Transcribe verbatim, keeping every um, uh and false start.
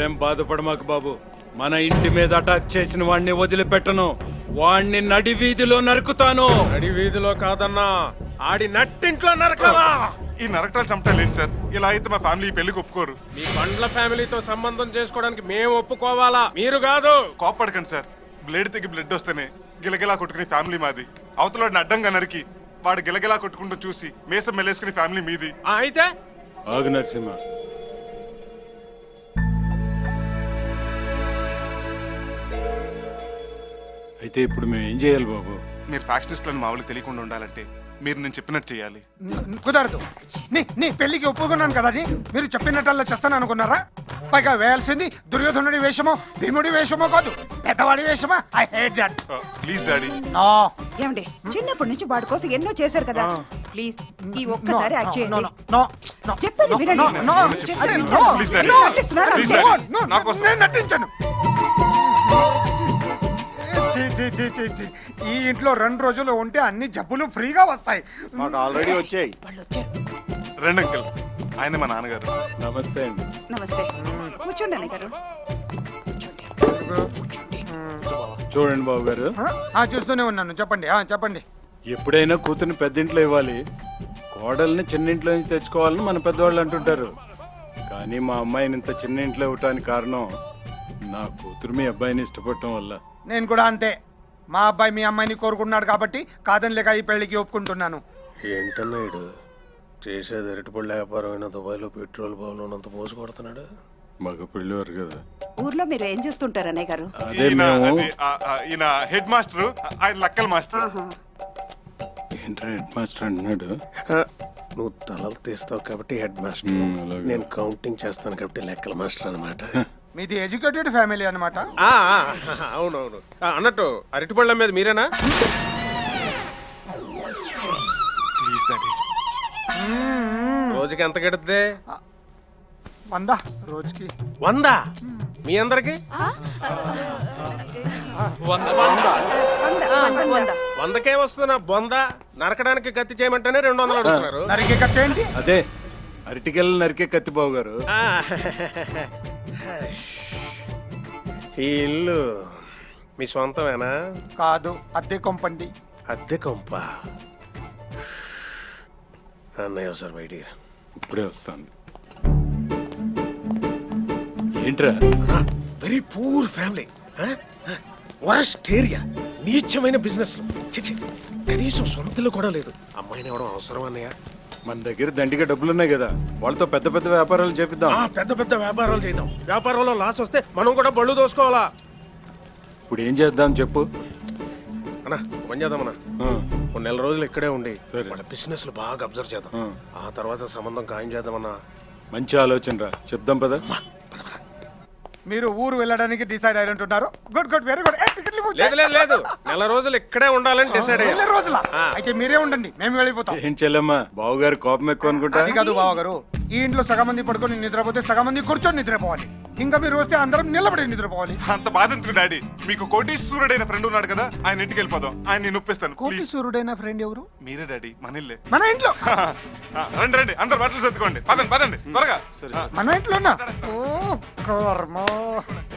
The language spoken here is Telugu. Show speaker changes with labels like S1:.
S1: నువ్వేం బాధపడమాకు బాబు. మన ఇంటి మీద అటాక్ చేసిన వాణ్ణి వదిలిపెట్టను. వాణ్ణి నడి వీధిలో నరుకుతాను.
S2: నడి వీధిలో కాదన్నా, ఆడి నట్టింట్లో నరకాలా.
S3: ఈ నరకటాలు చంపలేండి సార్. ఇలా అయితే మా ఫ్యామిలీ పెళ్లికి ఒప్పుకోరు.
S2: మీ బండ్ల ఫ్యామిలీతో సంబంధం చేసుకోవడానికి మేము ఒప్పుకోవాలా, మీరు కాదు.
S3: కోప్పడకండి సార్. బ్లేడ్ తెగి బ్లడ్ వస్తేనే గిలగిలా కొట్టుకునే ఫ్యామిలీ మాది. అవతల అడ్డంగా నరికి వాడు గిలగిలా కొట్టుకుంటూ చూసి మేసం మెల్లేసుకునే ఫ్యామిలీ మీది.
S2: ఆ, అయితే
S1: ఆగు నరసింహ. అయితే ఇప్పుడు మేము ఏం చేయాలి బాబు?
S3: మీరు ఫ్యాక్షనిస్టులను మా వాళ్ళకి తెలియకుండా ఉండాలంటే మీరు నేను చెప్పినట్టు చేయాలి.
S4: న- కుదరదు. నీ నీ పెళ్లికి ఒప్పుకున్నాను కదా అని మీరు చెప్పినట్టల్లా చేస్తాను అనుకున్నారా? పైగా వేయాల్సింది దుర్యోధనుడి వేషమో భీముడి వేషమో కాదు, పెద్దవాడి వేషమా. I hate that.
S3: Please daddy.
S4: No
S5: ఏమండి, చిన్నప్పటి నుంచి వాడి కోసం ఎన్నో చేశారు కదా, ప్లీజ్ ఈ ఒక్కసారి యాక్ట్
S4: నో
S5: చేయండి.
S4: నో నో
S5: చెప్పేది వినండి.
S4: నో నో
S5: చెప్పేది
S4: నో
S5: వినండి.
S3: Please, Daddy.
S5: ఎందుకు నటిస్తున్నారు
S3: Please,
S5: అంతే?
S3: Daddy.
S4: నో
S3: నా కోసం.
S4: నేను నటించను. చీ, చీ, చీ, చీ, చీ. ఈ ఇంట్లో రెండు రోజులు ఉంటే అన్ని జబ్బులు ఫ్రీగా వస్తాయి.
S6: మాకు ఆల్రెడీ వచ్చాయి.
S5: వాళ్ళు వచ్చారు.
S3: రండి అంకుల్, ఆయన మా నాన్నగారు.
S1: నమస్తే అండి.
S5: నమస్తే. కూర్చోండి అన్నయ్య గారు.
S1: చూడండి బాబు గారు,
S4: ఆ, ఆ, చూస్తూనే ఉన్నాను. చెప్పండి ఆ, చెప్పండి.
S1: ఎప్పుడైనా కూతుర్ని పెద్దింట్లో ఇవ్వాలి, కోడల్ని చిన్నింట్లో నుంచి తెచ్చుకోవాలని మన పెద్దవాళ్ళు అంటుంటారు. కానీ మా అమ్మాయిని ఇంత చిన్న ఇంట్లో ఇవ్వటానికి కారణం నా కూతురు మీ అబ్బాయిని ఇష్టపడటం వల్ల.
S4: నేను కూడా అంతే. మా అబ్బాయి మీ అమ్మాయిని కోరుకున్నాడు కాబట్టి కాదని లేక ఈ పెళ్లికి ఒప్పుకుంటున్నాను.
S2: ఏంటన్నాడు చేసేది అరటిపళ్ళ వ్యాపారం అయినా దుబాయ్లో పెట్రోల్ బాగున్నంత మోసు కొడుతున్నాడు.
S1: మగ పెళ్ళివారు కదా.
S5: ఊర్లో మీరు ఏం చేస్తుంటారు అన్నయ్య గారు?
S1: అదే
S3: ఈయన
S1: మేము.
S3: అది, ఆ, ఆ, ఈయన హెడ్ మాస్టర్, ఆయన లక్కల్ మాస్టర్.
S1: ఏంట్రా హెడ్ మాస్టర్ అంటున్నాడు?
S2: నువ్వు తలలు తీస్తావు కాబట్టి హెడ్ మాస్టర్,
S1: మ్మ్, అలాగే.
S2: నేను కౌంటింగ్ చేస్తాను కాబట్టి లెక్కల మాస్టర్ అనమాట.
S4: మీది ఎడ్యుకేటెడ్ ఫ్యామిలీ అన్నమాట.
S2: అవునవును. అన్నట్టు అరటిపళ్ళ మీద మీరేనా?
S3: Please daddy.
S2: రోజుకి ఎంత గడుద్ది?
S4: వందా రోజుకి.
S2: వంద. మీ అందరికి
S5: వంద, వంద.
S2: వందకే వస్తున్నా బొంద. నరకడానికి కత్తి చేయమంటేనే రెండు వందలు అడుగుతున్నారు.
S4: నరికే కట్టేంటి?
S1: అదే అరటికెళ్ళ నరికే కత్తి బాబు గారు.
S2: ఆ. ఈ ఇల్లు మీ సొంతమేనా?
S4: కాదు, అద్దె కొంపండి.
S2: అద్దె కొంప. అన్నయ్య సార్ బయటికి.
S1: ఇప్పుడే వస్తాను. ఏంట్రా?
S2: Very poor family, worst area, నీచమైన బిజినెస్. కనీసం సొంతలు కూడా లేదు. అమ్మాయిని ఇవ్వడం అవసరం అన్నయ్య?
S1: మన దగ్గర దండిగా డబ్బులున్నాయి కదా, వాళ్ళతో పెద్ద పెద్ద వ్యాపారాలు చేపిద్దాం.
S2: ఆ, పెద్ద పెద్ద వ్యాపారాలు చేద్దాం. వ్యాపారంలో లాస్ వస్తే మనం కూడా బళ్ళు దోసుకోవాలా.
S1: ఇప్పుడు ఏం చేద్దాం చెప్పు.
S2: అన్నా పని చేద్దామన్నా,
S1: ఆ,
S2: కొన్ని నెల రోజులు ఇక్కడే ఉండి
S1: సరే.
S2: వాళ్ళ బిజినెస్ బాగా అబ్జర్వ్ చేద్దాం.
S1: ఆ.
S2: ఆ తర్వాత సంబంధం ఖాయం చేద్దామన్నా.
S1: మంచి ఆలోచన రా, చెప్దాం పద.
S4: మీరు ఊరు వెళ్ళడానికి డిసైడ్ అయినట్టున్నారు. Good good, very good.
S2: లేదు లేదు లేదు, నెల రోజులు ఇక్కడే ఉండాలని డిసైడ్ అయ్యా.
S4: రోజుల
S2: ఆ.
S4: అయితే మీరే ఉండండి, మేము వెళ్ళిపోతాం.
S1: ఏం చెల్లమ్మా, బావగారు కోపం ఎక్కువ అనుకుంటా.
S4: అది కాదు బావగారు, ఈ ఇంట్లో సగం మంది పడుకొని నిద్రపోతే సగం మంది కూర్చొని నిద్రపోవాలి. ఇంకా మీరు వస్తే అందరం నిలబడి నిద్రపోవాలి.
S3: అంత బాధ ఎందుకు డాడీ? మీకు కోటీశ్వరుడైన ఫ్రెండ్ ఉన్నాడు కదా, ఆయన ఇంటికి వెళ్ళిపోదాం. ఆయన నేను ఒప్పిస్తాను.
S4: కోటి
S3: ప్లీజ్.
S4: సూర్యుడైన ఫ్రెండ్ ఎవరు?
S3: మీరే డాడీ, మన ఇల్లే.
S4: మన ఇంట్లో.
S3: ఆ, రండి రండి, అందరు బట్టలు సర్దుకోండి. పదండి పదండి త్వరగా.
S4: మన ఇంట్లోనా? ఓ కర్మ.